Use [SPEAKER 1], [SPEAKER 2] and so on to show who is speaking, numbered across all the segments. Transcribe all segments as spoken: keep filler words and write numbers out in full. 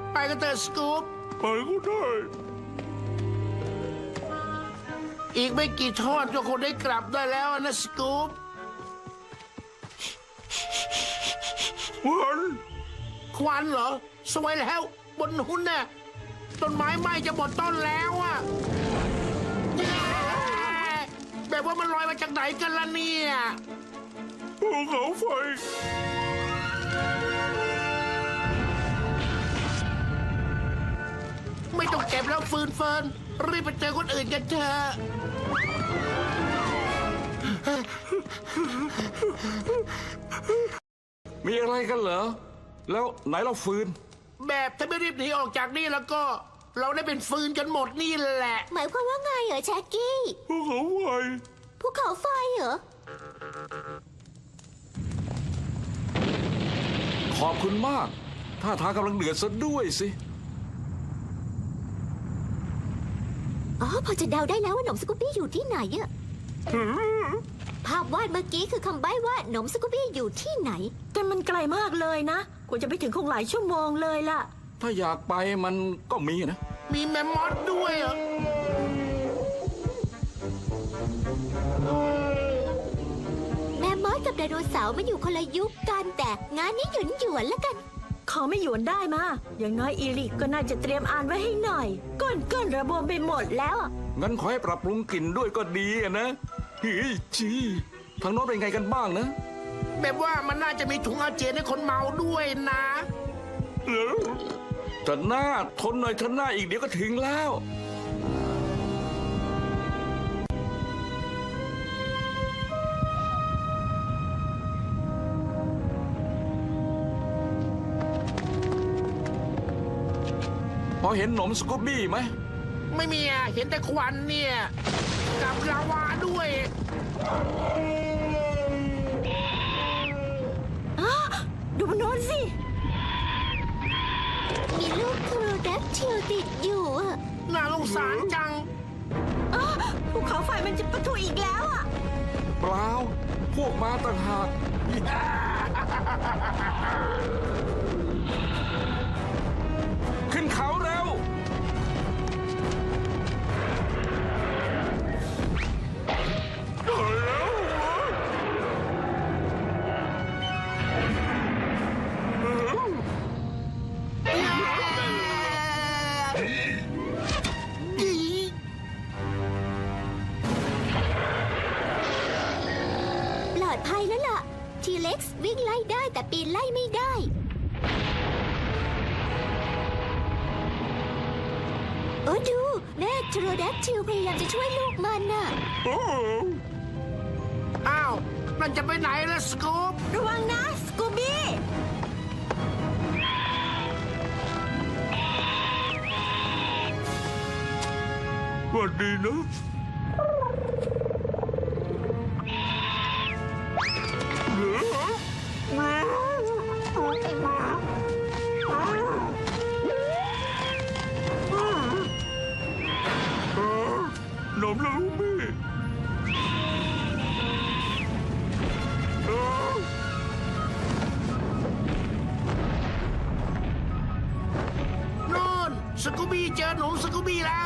[SPEAKER 1] ไปกันเถอะสกู๊ป
[SPEAKER 2] ไปก็ได้
[SPEAKER 1] อีกไม่กี่ทอดก็คงได้กลับได้แล้วนะสกู๊ป
[SPEAKER 2] วัน
[SPEAKER 1] ควันเหรอสวยแล้วบนหุ้นน่ะต้นไม้ไหม้จะหมดต้นแล้วอะแบบว่ามันลอยมาจากไหนกันล่ะเนี่ย
[SPEAKER 2] ภูเขาไฟ
[SPEAKER 1] ไม่ต้องเก็บแล้วฟืนเฟินรีบไปเจอคนอื่นกันเถอะ
[SPEAKER 2] มีอะไรกันเหรอแล้วไหนเราฟืน
[SPEAKER 1] แบบถ้าไม่รีบหนีออกจากนี่แล้วก็ เราได้เป็นฟืนกันหมดนี่แหละ
[SPEAKER 3] หมายความว่าไงเหรอแจ็คกี้
[SPEAKER 2] ภูเขาไฟ
[SPEAKER 3] ภูเขาไฟเหรอ
[SPEAKER 2] ขอบคุณมากท่าทางกำลังเดือดซะด้วยสิ
[SPEAKER 3] อ๋อพอจะเดาได้แล้วว่าหนมสกูบี้อยู่ที่ไหนอะภาพวาดเมื่อกี้คือคำใบ้ว่าหนมสกูบี้อยู่ที่ไหน
[SPEAKER 4] แต่มันไกลมากเลยนะกว่าจะไปถึงคงหลายชั่วโมงเลยล่ะ
[SPEAKER 2] ถ้าอยากไปมันก็มีนะ
[SPEAKER 1] มีแมมมอสด้วยเหรอ
[SPEAKER 3] แม่มดกับไดโนเสาร์มันอยู่คนละยุคกันแต่งานนี้หยุนหยวนๆแล้วกัน
[SPEAKER 4] ขอไม่หยวนได้มาอย่างน้อยอีริกก็น่าจะเตรียมอ่านไว้ให้หน่อย ก้นก้นระบมไปหมดแล้วอะ
[SPEAKER 2] งั้นขอให้ปรับปรุงกลิ่นด้วยก็ดีอะนะเฮ้ยจีทางโน้นเป็นไงกันบ้างนะ
[SPEAKER 1] แบบว่ามันน่าจะมีถุงอาเจียนให้คนเมาด้วยนะ
[SPEAKER 2] แต่หน้าทนหน่อยทนหน้าอีกเดี๋ยวก็ถึงแล้ว พอเห็นหนมสกูบี้ไหม
[SPEAKER 1] ไม่มีอะเห็นแต่ควันเนี่ยกับลาวาด้วย
[SPEAKER 4] อ้าดูมันโน้นสิ
[SPEAKER 3] มีลูกโครดักทิลติดอยู่อะ
[SPEAKER 1] น่าสงสารจัง
[SPEAKER 4] อ้าภูเขาไฟมันจะปะทุอีกแล้วอ่ะ
[SPEAKER 2] เปล่า พวกมาต่างหาก ขึ้นเขาเร็ว
[SPEAKER 3] ปลอดภัยแล้วล่ะ ทีเล็กซ์วิ่งไล่ได้แต่ปีนไล่ไม่ได้ โอ้ดูแม่โครดักทิลพยายามจะช่วยลูกมันน่ะ
[SPEAKER 1] อ้าวนั่นจะไปไหนล่ะสกู๊ป
[SPEAKER 4] ระวังนะสกูบี้
[SPEAKER 2] สวัสดีนะหนมลูบี้
[SPEAKER 1] โน่นสกูบี้เจอหนูสกูบี้แล้ว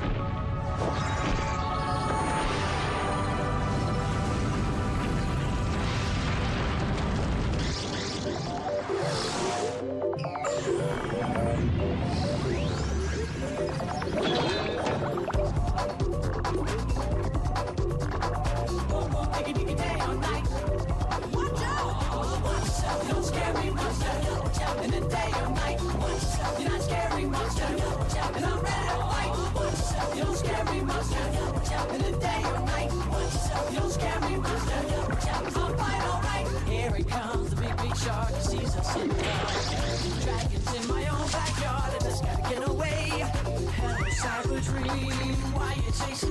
[SPEAKER 5] Here it comes, the big, big shark. He sees us in the dark. Dragons in my own backyard. I just gotta get away. Hello, cyber dream. Why you chasing